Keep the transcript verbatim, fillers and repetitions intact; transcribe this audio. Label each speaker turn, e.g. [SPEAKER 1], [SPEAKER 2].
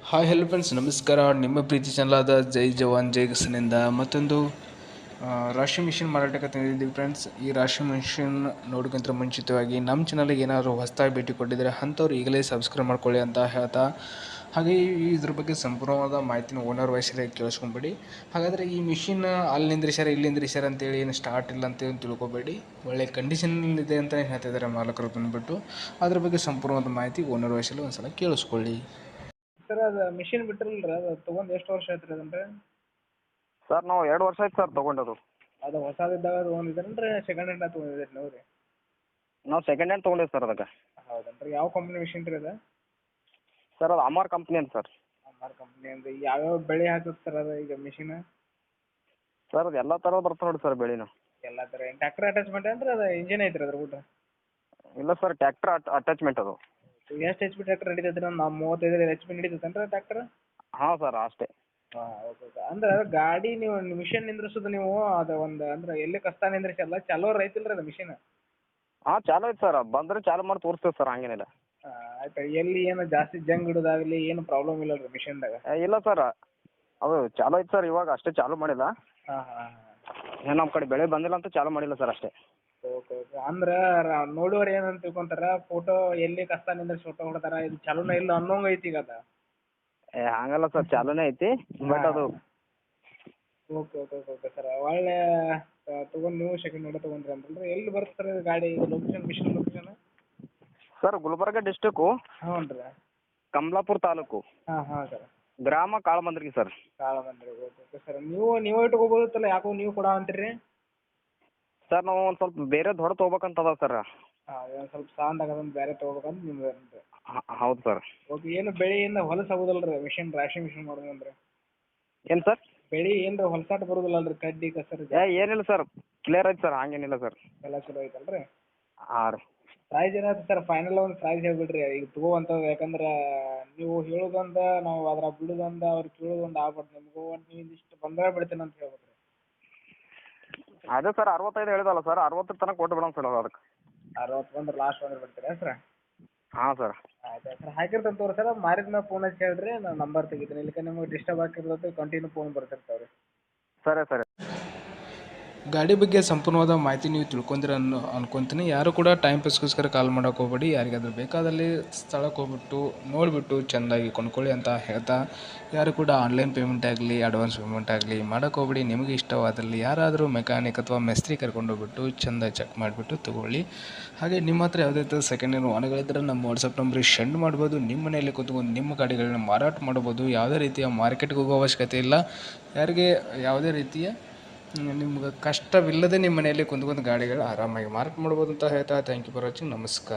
[SPEAKER 1] Hi hello friends, ನಮಸ್ಕಾರ. ನಿಮ್ಮ ಪ್ರೀತಿ ಚಾನಲಾದ ಜೈ ಜವಾನ್ ಜೈ ಕಿಸನಿಂದ ಮತ್ತೊಂದು ಆ, ರಾಶಿ ಮಿಷಿನ್ ಮಾರಾಟಕ್ಕೆ ತಂದಿದ್ದೀವಿ ಫ್ರೆಂಡ್ಸ್. ಈ ರಾಶಿ ಮಿಷಿನ್ ನೋಡೋಕ್ಕಿಂತ ಮುಂಚಿತವಾಗಿ ನಮ್ಮ ಚಾನಲ್ಗೆ ಏನಾದರೂ ಹೊಸದಾಗಿ ಭೇಟಿ ಕೊಟ್ಟಿದ್ದರೆ ಅಂಥವ್ರು ಈಗಲೇ ಸಬ್ಸ್ಕ್ರೈಬ್ ಮಾಡ್ಕೊಳ್ಳಿ ಅಂತ ಹೇಳ್ತಾ, ಹಾಗೆ ಈ ಇದ್ರ ಬಗ್ಗೆ ಸಂಪೂರ್ಣವಾದ ಮಾಹಿತಿನ ಓನರ್ ವಾಯ್ಸಲ್ಲಿ ಕೇಳಿಸ್ಕೊಂಬೇಡಿ. ಹಾಗಾದರೆ ಈ ಮಿಷಿನ್ ಅಲ್ಲಿ ನಿಂದ್ರಿಸ್ಯಾರ ಇಲ್ಲಿ ನಿಂದ್ರಿಸ್ಯಾರ ಅಂತೇಳಿ ಏನು ಸ್ಟಾರ್ಟ್ ಇಲ್ಲ ಅಂತೇಳಿ ತಿಳ್ಕೊಬೇಡಿ. ಒಳ್ಳೆ ಕಂಡೀಷನಲ್ಲಿದೆ ಅಂತ ಹೇಳ್ತಿದ್ದಾರೆ ಮಾಲಕರು ಬಂದುಬಿಟ್ಟು. ಅದ್ರ ಬಗ್ಗೆ ಸಂಪೂರ್ಣವಾದ ಮಾಹಿತಿ ಓನರ್ ವಾಯ್ಸಲ್ಲಿ ಒಂದು ಸಲ ಕೇಳಿಸ್ಕೊಳ್ಳಿ.
[SPEAKER 2] ಸರ್ ಅದು ಮಿಷಿನ್ ಬಿಟ್ಟಿರಲ್ರಿ, ಅದು ತೊಗೊಂಡು ಎಷ್ಟು ವರ್ಷ ಆಯ್ತು ರೀ ಅದನ್ರಿ?
[SPEAKER 3] ಸರ್ ನಾವು ಎರಡು ವರ್ಷ ಆಯ್ತು ಸರ್ ತೊಗೊಂಡದು.
[SPEAKER 2] ಅದು ಹೊಸದಿದ್ದಾಗ ತೊಗೊಂಡಿದ್ದೀರೇನ್ರಿ ಸೆಕೆಂಡ್ ಹ್ಯಾಂಡ್ ತೊಗೊಂಡಿದ್ದೀರಿ ನೀವು ರೀ?
[SPEAKER 3] ನಾವು ಸೆಕೆಂಡ್ ಹ್ಯಾಂಡ್ ತೊಗೊಂಡಿವಿ ಸರ್ ಅದಕ್ಕೆ.
[SPEAKER 2] ಹೌದೇನ್ರಿ? ಯಾವ ಕಂಪ್ನಿ ಮಿಷಿನ್ ರೀ ಅದು?
[SPEAKER 3] ಸರ್ ಅದು ಅಮರ್ ಕಂಪ್ನಿ ಅಂತ ಸರ್.
[SPEAKER 2] ಅಮರ್ ಕಂಪ್ನಿ ಅಂದ್ರೆ ಯಾವ್ಯಾವ ಬೆಳೆ ಹಾಕುತ್ತೆ ಸರ್ ಅದು ಈಗ ಮಿಷಿನ್?
[SPEAKER 3] ಸರ್ ಅದು ಎಲ್ಲ ಥರ ಬರ್ತದೆ ನೋಡಿ ಸರ್ ಬೆಳೆನು.
[SPEAKER 2] ಎಲ್ಲ ಥರ ಏನು ಟ್ಯಾಕ್ಟರ್ ಅಟ್ಯಾಚ್ಮೆಂಟ್ ಏನ್ರಿ ಅದು ಇಂಜಿನ್ ಐತ್ರಿ ಅದ್ರ ಬಿಟ್ಟು?
[SPEAKER 3] ಇಲ್ಲ ಸರ್, ಟ್ಯಾಕ್ಟ್ರ್ ಅಟ್ಯಾಚ್ಮೆಂಟ್ ಅದು.
[SPEAKER 2] ಎಷ್ಟು ಎಚ್ ಪಿ ಟ್ಯಾಕ್ಟರ್ ನಡೀತೈತೆ ರೀ? ನಾವು ಮೂವತ್ತೈದು ಎಚ್ ಪಿ ನಡೀತೈತೇನ್ರಿ ಟ್ಯಾಕ್ಟರ್?
[SPEAKER 3] ಹಾಂ ಸರ್ ಅಷ್ಟೇ.
[SPEAKER 2] ಹಾಂ ಓಕೆ ಓಕೆ. ಅಂದ್ರೆ ಗಾಡಿ ನೀವು ಮಿಷಿನ್ ನಿಂದ್ರಿಸೋದು ನೀವು ಅದು ಒಂದು ಅಂದ್ರೆ ಎಲ್ಲಿ ಕಷ್ಟ ನಿಂದ್ರಿಸಲ್ಲ, ಚಾಲೋ ರೈತಿಲ್ಲ ರೀ ಅದು ಮಿಷಿನ್?
[SPEAKER 3] ಹಾಂ ಚಾಲು ಐತೆ ಸರ್, ಬಂದರೆ ಚಾಲು ಮಾಡಿ ತೋರಿಸ್ತೇವೆ ಸರ್, ಹಂಗೇನಿಲ್ಲ.
[SPEAKER 2] ಆಯ್ತು. ಎಲ್ಲಿ ಏನು ಜಾಸ್ತಿ ಜಂಗ್ ಹಿಡೋದಾಗಲಿ ಏನು ಪ್ರಾಬ್ಲಮ್ ಇಲ್ಲ ರೀ ಮಿಷಿನ್ದಾಗ?
[SPEAKER 3] ಏ, ಇಲ್ಲ ಸರ್, ಅದು ಚಾಲು ಐತೆ ಸರ್, ಇವಾಗ ಅಷ್ಟೇ ಚಾಲು ಮಾಡಿಲ್ಲ.
[SPEAKER 2] ಹಾಂ ಹಾಂ ಹಾಂ.
[SPEAKER 3] ಏನು ನಮ್ಮ ಕಡೆ ಬೆಳೆ ಬಂದಿಲ್ಲ ಅಂತ ಚಾಲು ಮಾಡಿಲ್ಲ ಸರ್ ಅಷ್ಟೇ.
[SPEAKER 2] Okay okay. ಅಂದ್ರೆ ನೋಡುವವ್ರು ಏನಂತ ತಿಳ್ಕೊಂತಾರ, ಫೋಟೋ ಎಲ್ಲಿ ಕಷ್ಟ ನಿಂದ್ರಿಸಿ ಫೋಟೋ ಹೊಡ್ತಾರ, ಇದು ಚಾಲೂನ ಇಲ್ಲ ಅನ್ನೋಂಗೆ ಐತಿ ಈಗ ಅದು.
[SPEAKER 3] ಏ ಹಂಗಲ್ಲ ಸರ್, ಚಾಲೂನೇ ಐತಿ, ಬಟ್ ಅದು.
[SPEAKER 2] Okay okay okay okay sir. ಒಳ್ಳೆ ತೊಗೊಂಡು ನೀವು ಸೆಕೆಂಡ್ ಹ್ಯಾಂಡ್ ತೊಗೊಂಡ್ರಿ ಅಂತಂದ್ರೆ ಎಲ್ಲಿ ಬರುತ್ತೆ ಸರ್ ಇದು ಗಾಡಿ, ಇದು location machine location?
[SPEAKER 3] Sir Gulbarga district,
[SPEAKER 2] ಹ್ಞೂ ರೀ.
[SPEAKER 3] ಕಮಲಾಪುರ ತಾಲೂಕು,
[SPEAKER 2] ಹಾಂ ಹಾಂ ಸರ್.
[SPEAKER 3] ಗ್ರಾಮ ಕಾಳಮಂದ್ರಿಗೆ ಸರ್.
[SPEAKER 2] ಕಾಳ ಬಂದ್ರಿ. Okay okay sir. ನೀವು ನೀವು ಇಟ್ಕೋಬೋದಿತ್ತಲ್ಲ, ಯಾಕೋ ನೀವು ಕೊಡ ಅಂತೀರಿ?
[SPEAKER 3] ಸರ್ ನಾವು ಒಂದು ಸ್ವಲ್ಪ ಬೇರೆ ದೊಡ್ಡ ತೊಗೋಬೇಕಂತದ ಸರ್.
[SPEAKER 2] ಹಾಂ ಒಂದು ಸ್ವಲ್ಪ ಸಾಂದ್ ಆಗೋದೊಂದು ಬೇರೆ ತೊಗೋಬೇಕಂತ ನಿಮ್ದು ಅಂತ.
[SPEAKER 3] ಹೌದು ಸರ್.
[SPEAKER 2] ಓಕೆ. ಏನು ಬೆಳೆಯಿಂದ ಹೊಲಸು ಆಗೋದಿಲ್ಲ ರೀ ಮಿಷಿನ್, ರಾಶಿ ಮಿಷಿನ್ ಮಾಡೋದಂದ್ರೆ?
[SPEAKER 3] ಏನು ಸರ್?
[SPEAKER 2] ಬೆಳೆ ಏನು ಹೊಲಸಾಟ ಬರೋದಿಲ್ಲ ಅಲ್ರಿ, ಕಡ್ಡಿ ಕಸರು?
[SPEAKER 3] ಏ ಏನಿಲ್ಲ ಸರ್, ಕ್ಲಿಯರ್ ಐತೆ ಸರ್, ಹಂಗೇನಿಲ್ಲ ಸರ್.
[SPEAKER 2] ಎಲ್ಲ ಚಲೋ ಐತಲ್ಲ ರೀ?
[SPEAKER 3] ಹಾಂ ರೀ.
[SPEAKER 2] ಪ್ರೈಸ್ ಏನಾಯ್ತು ಸರ್? ಫೈನಲ್ ಒಂದು ಪ್ರೈಸ್ ಹೇಳ್ಬಿಡ್ರಿ ಈಗ ತಗೋವಂಥದ್ದು. ಯಾಕಂದ್ರೆ ನೀವು ಹೇಳೋದೊಂದು, ನಾವು ಅದ್ರ ಬಿಡೋದೊಂದು, ಅವ್ರು ಕೇಳೋದೊಂದು ಆಗ್ಬಾರ್ದು. ನಿಮಗೂ ಒಂದು ನೀವು ಇಷ್ಟು ಬಂದರೆ ಬಿಡ್ತೇನೆ ಅಂತ ಹೇಳ್ಬೇಕು ರೀ.
[SPEAKER 3] ಅದೇ ಸರ್, ಅರವತ್ತೈದು ಹೇಳಿದಲ್ಲ ಸರ್, ಅರವತ್ತರ ತನಕ ಕೊಟ್ಟು ಬಿಡೋಣ ಸರ್ ಅದಕ್ಕೆ.
[SPEAKER 2] ಅರವತ್ತು ಬಂದ್ರೆ ಲಾಸ್ಟ್ ಬಂದ್ರೆ ಬಿಡ್ತೀರಾ ಸರ್?
[SPEAKER 3] ಹಾಂ ಸರ್.
[SPEAKER 2] ಆಯ್ತು ಸರ್, ಹಾಕಿರ್ತಂತ ತೋರಿ ಸರ್. ಮಾರಿದ ಮೇಲೆ ಫೋನ್ ಹಚ್ಚಿ ಹೇಳ್ರಿ, ನಾನು ನಂಬರ್ ತೆಗಿತೀನಿ. ಇಲ್ಲಿಕ ನಿಮಗೆ ಡಿಸ್ಟರ್ಬ್ ಆಗಿರ್ತದೆ, ಕಂಟಿನ್ಯೂ ಫೋನ್ ಬರ್ತಿರ್ತಾವೆ ರೀ.
[SPEAKER 3] ಸರಿ ಸರಿ.
[SPEAKER 1] ಗಾಡಿ ಬಗ್ಗೆ ಸಂಪೂರ್ಣವಾದ ಮಾಹಿತಿ ನೀವು ತಿಳ್ಕೊಂಡಿರ ಅನ್ನೋ ಅನ್ಕೊತೀನಿ. ಯಾರು ಕೂಡ ಟೈಮ್ ಪಾಸ್ಗೋಸ್ಕರ ಕಾಲ್ ಮಾಡೋಕೆ ಹೋಗ್ಬೇಡಿ. ಯಾರಿಗಾದ್ರೂ ಬೇಕಾದಲ್ಲಿ ಸ್ಥಳಕ್ಕೆ ಹೋಗ್ಬಿಟ್ಟು ನೋಡಿಬಿಟ್ಟು ಚೆಂದಾಗಿ ಕೊಂಡ್ಕೊಳ್ಳಿ ಅಂತ ಹೇಳ್ತಾ, ಯಾರು ಕೂಡ ಆನ್ಲೈನ್ ಪೇಮೆಂಟ್ ಆಗಲಿ ಅಡ್ವಾನ್ಸ್ ಪೇಮೆಂಟ್ ಆಗಲಿ ಮಾಡೋಕೆ ಹೋಗ್ಬೇಡಿ. ನಿಮಗೆ ಇಷ್ಟವಾದಲ್ಲಿ ಯಾರಾದರೂ ಮೆಕ್ಯಾನಿಕ್ ಅಥವಾ ಮೆಸ್ತ್ರಿ ಕರ್ಕೊಂಡೋಗ್ಬಿಟ್ಟು ಚೆಂದ ಚೆಕ್ ಮಾಡಿಬಿಟ್ಟು ತೊಗೊಳ್ಳಿ. ಹಾಗೆ ನಿಮ್ಮ ಹತ್ರ ಯಾವುದೇ ಥರ ಸೆಕೆಂಡ್ ಹ್ಯಾಂಡ್ ವಾಹನಗಳಿದ್ದರೆ ನಮ್ಮ ವಾಟ್ಸಪ್ ನಂಬರಿಗೆ ಸೆಂಡ್ ಮಾಡ್ಬೋದು. ನಿಮ್ಮ ಮನೆಯಲ್ಲಿ ಕೂತ್ಕೊಂಡು ನಿಮ್ಮ ಗಾಡಿಗಳನ್ನ ಮಾರಾಟ ಮಾಡ್ಬೋದು. ಯಾವುದೇ ರೀತಿಯ ಮಾರ್ಕೆಟ್ಗೆ ಹೋಗೋ ಅವಶ್ಯಕತೆ ಇಲ್ಲ. ಯಾರಿಗೆ ಯಾವುದೇ ರೀತಿಯ ನಿಮ್ಗೆ ಕಷ್ಟವಿಲ್ಲದೆ ನಿಮ್ಮ ಮನೆಯಲ್ಲಿ ಕುಂತ್ಕೊಂಡು ಗಾಡಿಗಳು ಆರಾಮಾಗಿ ಮಾರಾಟ ಮಾಡ್ಬೋದು ಅಂತ ಹೇಳ್ತಾ, ಥ್ಯಾಂಕ್ ಯು ಫಾರ್ ವಾಚಿಂಗ್. ನಮಸ್ಕಾರ.